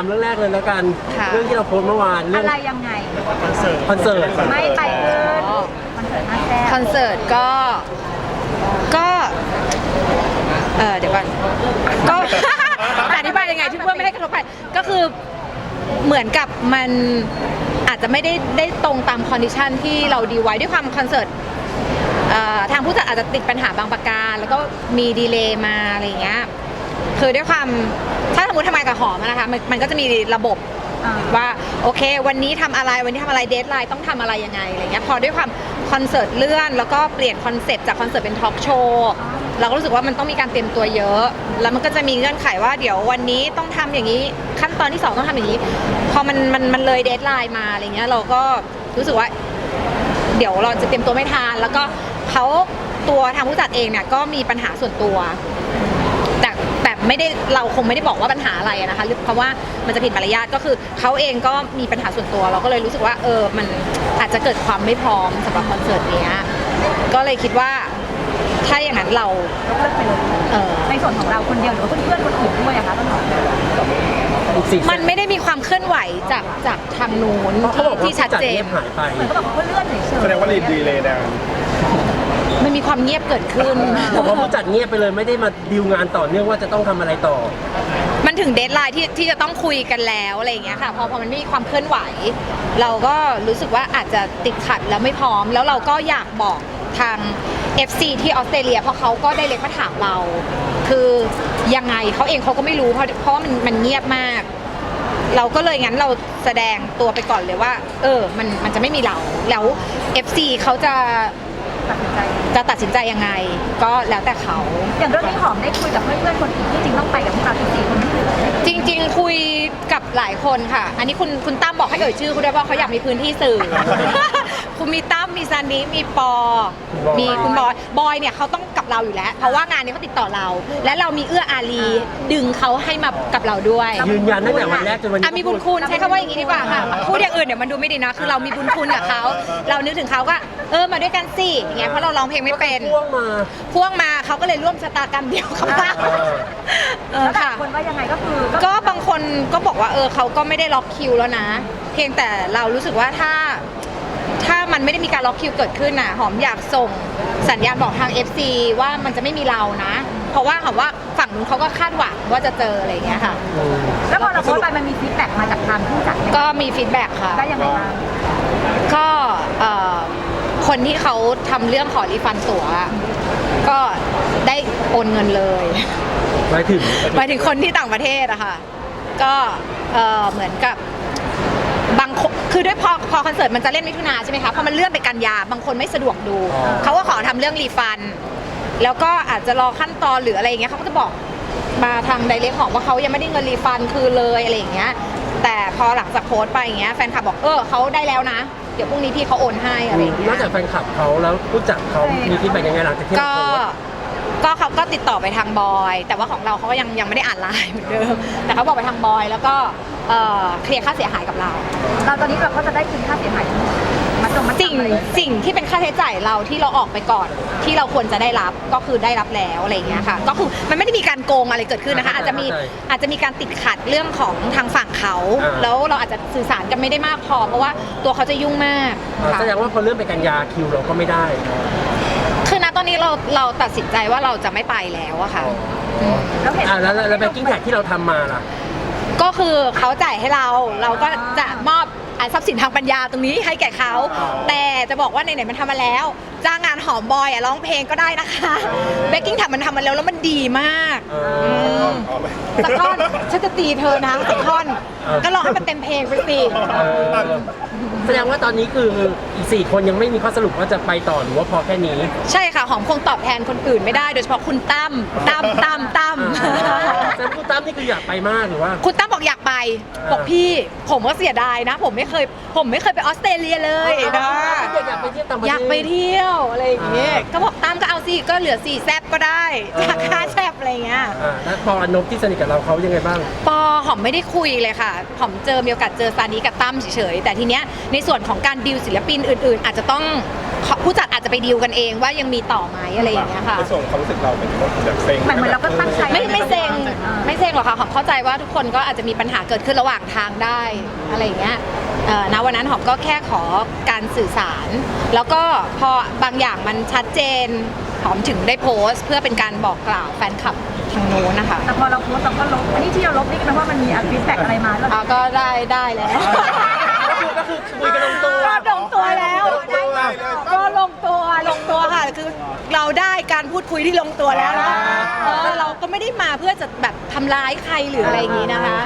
เรื่องแรกเลยแล้วกันเรื่องที่เราโพสต์เมื่อวานเรื่องอะไรยังไงคอนเสิร์ตไม่ไปขึ้นคอนเสิร์ตห้าแซ่บคอนเสิร์ตก็เดี๋ยวก่อนก็ อธิบายยังไงที่เพื่อไม่ให้กระทบไปก็คือเหมือนกับมันอาจจะไม่ได้ตรงตามคอนดิชันที่เราดีลไว้ด้วยความคอนเสิร์ตทางผู้จัดอาจจะติดปัญหาบางประการแล้วก็มีดีเลย์มาอะไรอย่างเงี้ยคือด้วยความถ้าสมมติทำงานกับหอมนะคะมันก็จะมีระบบว่าโอเควันนี้ทำอะไรเดทไลน์ต้องทำอะไรยังไงอะไรเงี้ยพอด้วยความคอนเสิร์ตเลื่อนแล้วก็เปลี่ยนคอนเซปต์จากคอนเสิร์ตเป็นทอล์กโชว์เราก็รู้สึกว่ามันต้องมีการเตรียมตัวเยอะแล้วมันก็จะมีเงื่อนไขว่าเดี๋ยววันนี้ต้องทำอย่างนี้ขั้นตอนที่2ต้องทำอย่างนี้พอมันเลยเดทไลน์มาอะไรเงี้ยเราก็รู้สึกว่าเดี๋ยวเราจะเตรียมตัวไม่ทันแล้วก็เขาตัวทางผู้จัดเองเนี่ยก็มีปัญหาส่วนตัวแต่ไม่ได้เราคงไม่ได้บอกว่าปัญหาอะไรนะคะเพราะว่ามันจะผิดมารยาทก็คือเขาเองก็มีปัญหาส่วนตัวเราก็เลยรู้สึกว่ามันอาจจะเกิดความไม่พร้อมสำหรับคอนเสิร์ตนี้ก็เลยคิดว่าถ้าอย่างนั้นเราเลิกไปเลยในส่วนของเราคนเดียวหรือว่าเพื่อนๆคนอื่นด้วยอะคะต้นหอมมันไม่ได้มีความเคลื่อนไหวจากทางนู้นที่ชัดเจนหายไปเหมือนก็บอกว่าเลื่อนเฉยๆแสดงว่าดีเลยนะมันมีความเงียบเกิดขึ้นผมว่าผู้จัดเงียบไปเลยไม่ได้มาดีลงานต่อเนื่องว่าจะต้องทำอะไรต่อมันถึงเดดไลน์ที่จะต้องคุยกันแล้วอะไรอย่างเงี้ยค่ะพอมันไม่มีความเคลื่อนไหวเราก็รู้สึกว่าอาจจะติดขัดแล้วไม่พร้อมแล้วเราก็อยากบอกทาง FC ที่ออสเตรเลียเพราะเขาก็ได้เล็กมาถามเราคือยังไงเขาเองเขาก็ไม่รู้เพราะว่ามันเงียบมากเราก็เลยงั้นเราแสดงตัวไปก่อนเลยว่ามันจะไม่มีเราแล้ว FC เขาจะตัดสินใจยังไงก็แล้วแต่เขาอย่างเรื่องนี้หอมได้คุยกับเพื่อนๆคนอื่นที่จริงต้องไปกับพวกเรา4 คนที่เหลือจริงๆคุยกับหลายคนค่ะอันนี้คุณตั้มบอกให้ชื่อคุณด้วยว่าเขาอยากมีพื้นที่สื่อ คุณมีตั้มมีซันนี่มีปอมีคุณบอยเนี่ยเขาต้องกับเราอยู่แล้วเพราะว่างานนี้เขาติดต่อเราและเรามีเอื้ออารีดึงเขาให้มากับเราด้วยยืนยันตั้งแต่วันแรกจนวันนี้มีบุญคุณใช้คำว่าอย่างนี้ดีกว่าค่ะพูดอย่างอื่นเดี๋ยวมันดูไม่ดีนะคือเรามีบุญคุณกับเขาเรานึกถึงเขาก็มาด้วยกันสิอย่างเงี้ยเพราะเราร้องเพลงไม่เป็นพ่วงมาเขาก็เลยร่วมชะตากรรมเดียวกับเราค่ะคนว่ายังไงก็คือก็บางคนก็บอกว่าเขาก็ไม่ได้ล็อกคิวแล้วนะเพียงแต่เรารู้สึกว่าถ้ามันไม่ได้มีการล็อกคิวเกิดขึ้นน่ะหอมอยากส่งสัญญาณบอกทาง FC ว่ามันจะไม่มีเรานะเพราะว่าหอมว่าฝั่งนู้นเขาก็คาดหวังว่าจะเจออะไรอย่างเงี้ยค่ะแล้วพอเราโพสต์ไปมันมีฟีดแบ็กมาจากทางผู้จัดก็มีฟีดแบ็กค่ะได้ยังไงบ้างก็คนที่เขาทำเรื่องขอรีฟันตั๋วก็ได้โอนเงินเลยหมายถึงคนที่ต่างประเทศอะค่ะก็เหมือนกับบางคือด้วยพอคอนเสิร์ตมันจะเล่นมิถุนาใช่ไหมคะพอมันเลื่อนไปกันยาบางคนไม่สะดวกดูเขาก็ขอทำเรื่องรีฟันแล้วก็อาจจะรอขั้นตอนหรืออะไรอย่างเงี้ยเขาก็จะบอกมาทางไดเรกของว่าเขายังไม่ได้เงินรีฟันคือเลยอะไรอย่างเงี้ยแต่พอหลังจากโพสต์ไปอย่างเงี้ยแฟนคลับบอกเขาได้แล้วนะเดี๋ยวพรุ่งนี้พี่เขาโอนให้อะไรอย่างเงี้ยนอกจากแฟนคลับเขาแล้วผู้จัดเขามีฟีดแบ็กยังไงหลังจากที่เราโพสต์ก็เขาก็ติดต่อไปทางบอยแต่ว่าของเราเขาก็ยังไม่ได้อ่านไลน์เหมือนเดิมแต่เขาบอกไปทางบอยแล้วก็เคลียร์ค่าเสียหายกับเราตอนนี้เราก็จะได้คืนค่าเสียหายมาตรงสิ่งที่เป็นค่าใช้จ่ายเราที่เราออกไปก่อนที่เราควรจะได้รับก็คือได้รับแล้วอะไรอย่างเงี้ยค่ะก็คือมันไม่ได้มีการโกงอะไรเกิดขึ้นนะคะอาจจะมีการติดขัดเรื่องของทางฝั่งเขาแล้วเราอาจจะสื่อสารกันไม่ได้มากพอเพราะว่าตัวเขาจะยุ่งมากแสดงว่าพอเลื่อนไปกันยาคิวเราก็ไม่ได้คือณตอนนี้เราตัดสินใจว่าเราจะไม่ไปแล้วอะค่ะแล้วแบ็คกิ้งแท็กที่เราทำมาล่ะก็คือเขาจ่ายให้เราก็จะมอบทรัพย์สินทางปัญญาตรงนี้ให้แก่เขาแต่จะบอกว่าไหนๆมันทำมาแล้วจ้างงานหอมบอยร้องเพลงก็ได้นะคะแบ็คกิ้งแท็กมันทำมาแล้วมันดีมากสักท่อนฉันจะตีเธอนะสักท่อนก็ร้องให้มันเต็มเพลงไปสิแสดงว่าตอนนี้คืออีก4 คนยังไม่มีข้อสรุปว่าจะไปต่อหรือว่าพอแค่นี้ใช่ค่ะหอมคงตอบแทนคนอื่นไม่ได้โดยเฉพาะคุณตั้มแต่คุณตั้มนี่คืออยากไปมากหรือว่าคุณตั้มบอกอยากไปบอกพี่ผมก็เสียดายนะผมไม่เคยไปออสเตรเลียเลยนะอยากไปเที่ยวอะไรอย่างเงี้ยก็บอกตั้มก็เอาสิก็เหลือ4แซบก็ได้จาก5แซบอะไรเงี้ยแล้วปออนบที่สนิทกับเราเขายังไงบ้างปอหอมไม่ได้คุยเลยค่ะหอมมีโอกาสเจอซานีกับตั้มเฉยๆแต่ทีเนี้ยในส่วนของการดีลศิลปินอื่นๆอาจจะต้องผู้จัดอาจจะไปดีลกันเองว่ายังมีต่อไหมอะไรอย่างเงี้ยค่ะในส่วนของความรู้สึกเราเป็นแบบเซ็งเหมือนเราก็ตั้งใจไม่เซ็งหรอกค่ะหอมเข้าใจว่าทุกคนก็อาจจะมีปัญหาเกิดขึ้นระหว่างทางได้อะไรอย่างเงี้ยณวันนั้นหอมก็แค่ขอการสื่อสาร แล้วก็พอบางอย่างมันชัดเจนหอมถึงได้โพสต์เพื่อเป็นการบอกกล่าวแฟนคลับทางโน้นนะคะแต่พอเราโพสต์เราก็ลบอันนี้ที่เราลบนี่ก็แปลว่ามันมีฟีดแบ็กอะไรมาแล้วก็ได้แล้วก็คือคุยกันลงตัวก็ลงตัวแล้วก็ลงตัวค่ะคือเราได้การพูดคุยที่ลงตัวแล้วแล้วก็เราก็ไม่ได้มาเพื่อจะแบบทำร้ายใครหรืออะไรอย่างนี้นะคะ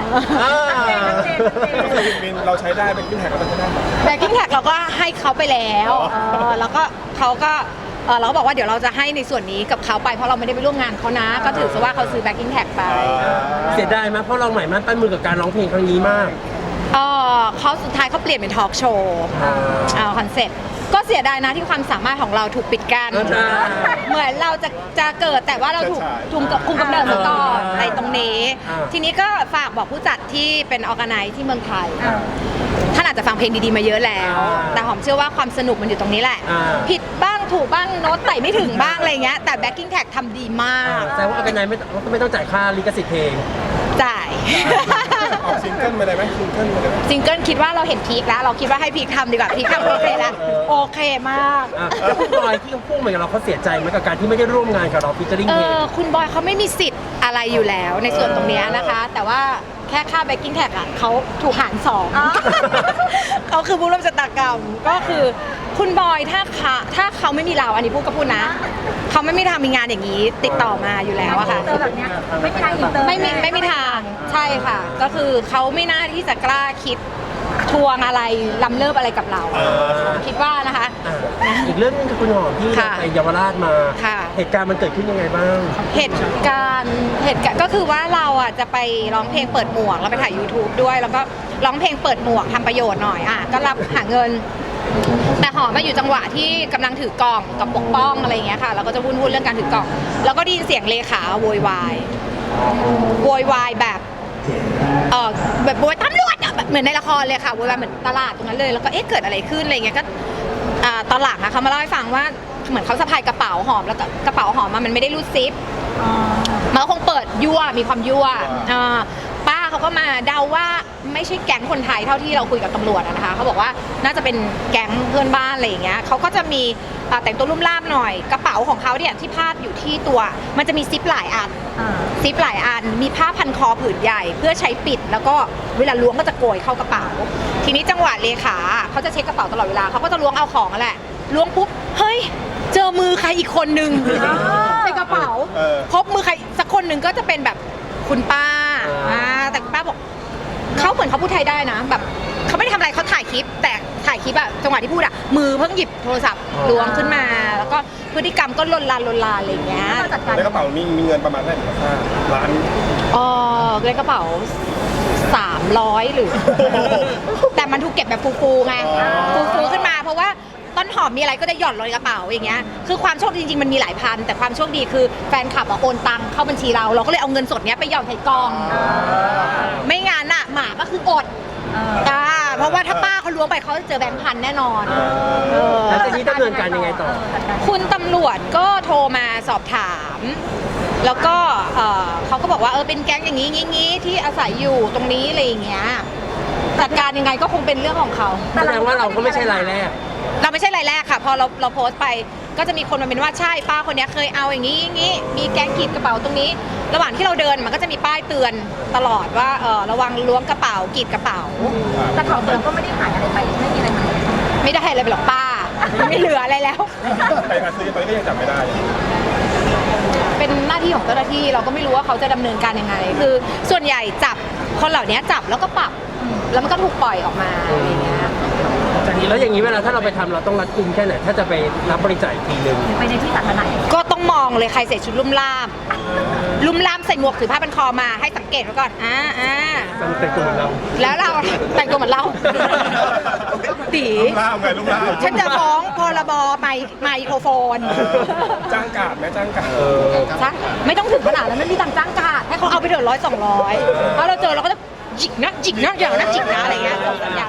มินเราใช้ได้เป็นขึ้นแท็กแล้วมันใช้ได้ไหมแบ็กกิ้งแท็กเราก็ให้เขาไปแล้วแล้วก็เขาก็เราก็บอกว่าเดี๋ยวเราจะให้ในส่วนนี้กับเขาไปเพราะเราไม่ได้ไปร่วมงานเขานะ ก็ถือซะว่าเขาซื้อแบ็กกิ้งแท็กไปเสียดายไหมเพราะเราใหม่มั่นปั้นมือกับการร้องเพลงครั้งนี้มากเขาสุดท้ายเขาเปลี่ยนเป็นทอล์กโชว์คอนเซ็ปต์ก็เสียดายนะที่ความสามารถของเราถูกปิดกั้นใช่เหมือนเราจะเกิดแต่ว่าเราถูกคุมกำเนิดมาก่อนในตรงนี้ ทีนี้ก็ฝากบอกผู้จัดที่เป็นออร์แกไนซ์ที่เมืองไทยท่านอาจจะฟังเพลงดีๆมาเยอะแล้ว แต่หอมเชื่อว่าความสนุกมันอยู่ตรงนี้แหละ ผิดบ้างถูกบ้างโน้ตไต่ไม่ถึงบ้างอะไรเงี้ยแต่แบ็กกิ้งแท็กทำดีมากแต่ว่าออร์แกไนซ์ไม่ต้องจ่ายค่าลิขสิทธิ์เพลงจ่ายออกซิงเกิลมาเลยไหมซิงเกิลมาเลยไหมซิงเกิลคิดว่าเราเห็นพีคแล้ว เราคิดว่าให้พีคทำดีกว่าพีคทำโอเคแล้วโอเคมากแล้วคุณบอยที่เขาพูดเหมือนกับเราเขาเสียใจไหมกับการที่ไม่ได้ร่วมงานกับเราฟิชเจอริ่งเพลงคุณบอยเขาไม่มีสิทธิ์อะไรอยู่แล้วในส่วนตรงเนี้ยนะคะ แต่ว่าแค่ค่าแบ็กกิ้งแท็กอ่ะเขาถูกหาร2 เขาคือผู้ร่วมชะตากรรมก็คือคุณบอยถ้าเขาไม่มีเราอันนี้พูดก็พูดนะ เขาไม่มีทางมีงานอย่างนี้ติดต่อมาอยู่แล้วอะค่ะเจอแบบเนี้ยไม่มีทางอินเตอร์ไม่มีทางใช่ค่ะ ก็คือเขาไม่น่าที่จะกล้าคิดทวงอะไรล้ำเลิศอะไรกับเรา คิดว่านะคะอีกเรื่องนึงคือคุณหอมที่ค่ะไปเยาวราชมาค่ะเหตุการณ์มันเกิดขึ้นยังไงบ้างเหตุการณ์ก็คือว่าเราอ่ะจะไปร้องเพลงเปิดหมวกเราไปถ่าย YouTube ด้วย แล้วก็ร้องเพลงเปิดหมวกทำประโยชน์หน่อยก็รับหาเงิน แต่หอมมาอยู่จังหวะที่กำลังถือกล่องกับปกป้องอะไรอย่างเงี้ยค่ะเราก็จะวุ่นเรื่องการถือกล่อง แล้วก็ได้ยินเสียงเลขาโวยวายแบบแบบโวยตำรวจอะแบบเหมือนในละครเลยค่ะโวยวายเหมือนตลาดตรงนั้นเลยแล้วก็เกิดอะไรขึ้นอะไรเงี้ยก็ตอนหลังอะเขามาเล่าให้ฟังว่าเหมือนเขาสะพายกระเป๋าหอมแล้วก็กระเป๋าหอมมันไม่ได้รูดซิปมันก็คงเปิดยั่วมีความยั่วป้าเขาก็มาเดาว่าไม่ใช่แก๊งคนไทยเท่าที่เราคุยกับตำรวจนะคะเขาบอกว่าน่าจะเป็นแก๊งเพื่อนบ้านอะไรอย่างเงี้ยเขาก็จะมีแต่งตัวลุ่มล่ามหน่อยกระเป๋าของเขาเนี่ยที่พาดอยู่ที่ตัวมันจะมีซิปหลายอันมีผ้าพันคอผืนใหญ่เพื่อใช้ปิดแล้วก็เวลาล้วงก็จะโกยเข้ากระเป๋าทีนี้จังหวะเลขาเขาจะเช็คกระเป๋าตลอดเวลาเขาก็จะล้วงเอาของนั่นแหละล้วงปุ๊บเฮ้ยเจอมือใครอีกคนนึงในกระเป๋าพบมือใครสักคนหนึ่งก็จะเป็นแบบคุณป้าแต่คุณป้าบอกเขาเหมือนเขาพูดไทยได้นะแบบเขาไม่ได้ทำอะไรเขาถ่ายคลิปแต่ถ่ายคลิปอะจังหวะที่พูดอะมือเพิ่งหยิบโทรศัพท์ล้วงขึ้นมาแล้วก็พฤติกรรมก็ลนลานอะไรอย่างเงี้ยในกระเป๋ามีเงินประมาณเท่าไหร่ค่าล้านในกระเป๋า300หรือ แต่มันถูกเก็บแบบฟูๆไงฟูๆขึ้นมาเพราะว่าต้นหอมมีอะไรก็จะหย่อนลงในกระเป๋าอย่างเงี้ยคือความโชคดีจริงๆมันมีหลายพันแต่ความโชคดีคือแฟนคลับโอนตังเข้าบัญชีเราก็เลยเอาเงินสดเนี้ยไปหย่อนใส่กองไม่งั้นอะหมาก็คืออดเพราะว่าถ้าป้าเขาล้วงไปเขาจะเจอแบงค์พันแน่นอนแล้วทีนี้ดำเนินการยังไงต่อคุณตำรวจก็โทรมาสอบถาม แล้วก็เขาก็บอกว่าเป็นแก๊งอย่างนี้งี้ที่อาศัยอยู่ตรงนี้อะไรอย่างเงี้ยจัดการยังไงก็คงเป็นเรื่องของเขาแสดงว่าเราก็ไม่ใช่รายแรกเราไม่ใช่รายแรกค่ะพอเราโพสต์ไปก็จะมีคนมาเป็นว่าใช่ป้าคนนี้เคยเอาอย่างนี้มีแก๊งกรีดกระเป๋าตรงนี้ ระหว่างที่เราเดินมันก็จะมีป้ายเตือนตลอดว่าระวังล้วงกระเป๋ากรีดกระเป๋าแต่ของเราก็ไม่ได้หายอะไรไปไม่มีอะไรหายไม่ได้อะไรไปหรอกป้าไม่เหลืออะไรแล้วใครมาซื้อไปก็ยังจับไม่ได้เป็นหน้าที่ของเจ้าหน้าที่เราก็ไม่รู้ว่าเขาจะดำเนินการยังไงคือส่วนใหญ่จับคนเหล่านี้จับแล้วก็ปรับแล้วมันก็ถูกปล่อยออกมาอะไรอย่างเงี้ยแล้วอย่างนี้เวลาถ้าเราไปทำเราต้องรัดกุมแค่ไหนถ้าจะไปรับบริจาคอีกทีนึงไปในที่สาธารณะก็ต้องมองเลยใครใส่ชุดลุ่มล่ามใส่หมวกถือผ้าพันคอมาให้สังเกตไว้ก่อนต้องแต่งตัวเหมือนเราแล้วเราแต่งตัวเหมือนเราตีลูกล่ามไงลูกล่ามฉันจะฟ้องพรบไมโครโฟนจ้างกาดไหมจ้างกาดจ้างไม่ต้องถึงขนาดนั้นไม่มีตังค์จ้างกาดให้เขาเอาไปเถอะ100-200ถ้าเราเจอเราก็จะจิกนะอย่างนะจิกนะอะไรเงี้ยส่งสัญญาณไปก่อน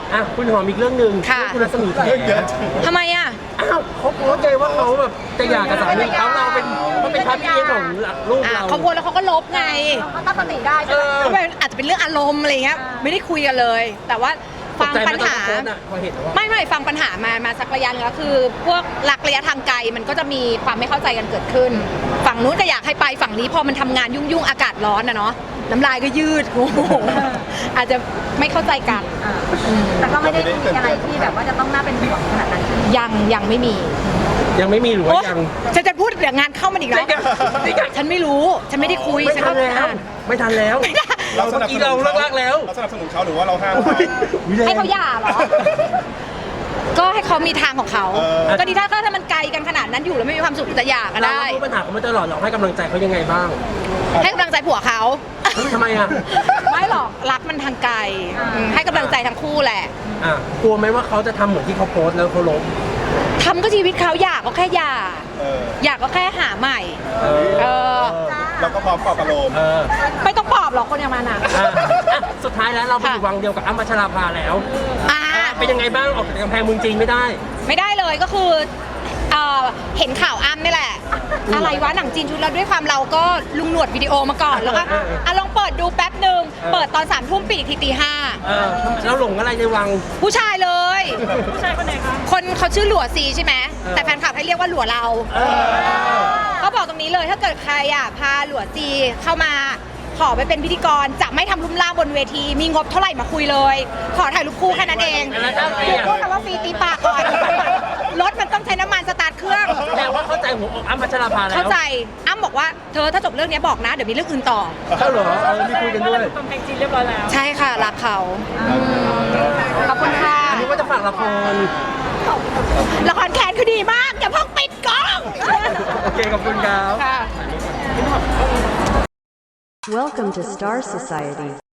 อ่ะคุณหอมอีกเรื่องหนึ่งค่ะคุณรัศมีแขเรื่องเยอะจริงทำไมอ่ะอ้าวเขาโพสต์ใจว่าเขาแบบจะหย่ากับสามีเขาเราเป็นพระพี่เลี้ยงของลูกเราเขาโพสต์แล้วเขาก็ลบไงเขาตั้งสติได้เอใช่ไหมอก็อาจจะเป็นเรื่องอารมณ์อะไรเงี้ยไม่ได้คุยกันเลย แต่ว่าตฟักงใจไหมปัญตอนหาเขาโพสต์อ่ะพอเห็นว่าไม่ฟังปัญหามาสักระยะนึงแล้วคือ พวกหลักระยะทางไกลมันก็จะมีความไม่เข้าใจกันเกิดขึ้น ฝั่งนู้นก็อยากให้ไปฝั่งนี้พอมันทำงานยุ่งอากาศร้อนนะเนาะน้ำลายก็ยืด โอ้โหอาจจะไม่เข้าใจกันแต่ก็ไม่ได้มีอะไรที่แบบว่าจะต้องน่าเป็นห่วงขนาดนั้นยังไม่มียังไม่มีหรือโอ๊ว่าย ยังฉันจะพูดเดี๋ยวงานเข้ามันอีกแล้ว ฉันไม่รู้ฉันไม่ได้คุยไม่ฉันทัก็นแล้วอ่านไม่ทันแล้วเราสเมื่นัอบสกี้นุเรานเลิกแล้วเราสนับสนุนเขาหรือว่าเราห้ามอุ๊ยให้เขาหย่าเหรอ ก็ให้เขามีทางของเขาเออก็ดีถ้ามันไกลกันขนาดนั้นอยู่แล้วไม่มีความสุขจะหย่าก็เราได้รู้ปัญหาเขามาตลอดเราให้กำลังใจเขายังไงบ้างให้กำลังใจผัวเขาทำไมอ่ะไม่หรอกรักมันทางไกลให้กำลังใจทั้งคู่แหละอ่ะกลัวไหมว่าเขาจะทำเหมือนที่เขาโพสต์แล้วเขาลบทำก็ชีวิตเขาอยากก็แค่หย่าเอออยากก็แค่หาใหม่เออเออเราก็พร้อมปลอบประโลมเออไม่ต้องปลอบหรอกคนอย่างมันอ่ะอ่ะอ่ะสุดท้ายแล้วเราไปอยู่วังเดียวกับอ้ำพัชราภาแล้วอ่าเป็นยังไงบ้างออกจากกำแพงเมืองจีนไม่ได้ไม่ได้เลยก็คือเห็นข่าวอ้ำนี่แหละ อะไรวะหนังจีนชุดเราด้วยความเราก็ลุงหนวดวิดีโอมาก่อนแล้วก็ลองเปิดดูแป๊บหนึ่งเปิดตอน3 ทุ่มปิดอีกทีตีเออแล้วหลงอะไรในวัง 5ผู้ชายเลยผู้ชายคนไหนคะคนเขาชื่อหลัวซีใช่ไหม แต่แฟนคลับให้เรียกว่าหลัวเราเออก็บอกตรงนี้เลยถ้าเกิดใครอ่ะพาหลัวซีเข้ามาขอไปเป็นพิธีกรจะไม่ทำลุ่มล่ามบนเวที มีงบเท่าไหร่มาคุยเลย ขอถ่ายรูปคู่แค่นั้นเองแล้วถ้าฟรีเดี๋ยวอ่ะพูดคำว่าฟรีตีปากก่อนรถมันต้องใช้น้ำมันสตาร์ทเครื่องแต่ว่าเข้าใจหัวอกอ้ำพัชราภาแล้วเข้าใจอ้ำบอกว่าเธอถ้าจบเรื่องนี้บอกนะ เดี๋ยวมีเรื่องอื่นต่อเข้าเหรอมีคุยกันด้วยกำแพงจีนเรียบร้อยแล้วใช่ค่ะ รักเขาขอบคุณค่ะอันนี้ว่าจะฝากละครละครแคนคือดีมาก อย่าเพิ่งปิดกล้องโอเคขอบคุณครับค่ะ Welcome to Star Society.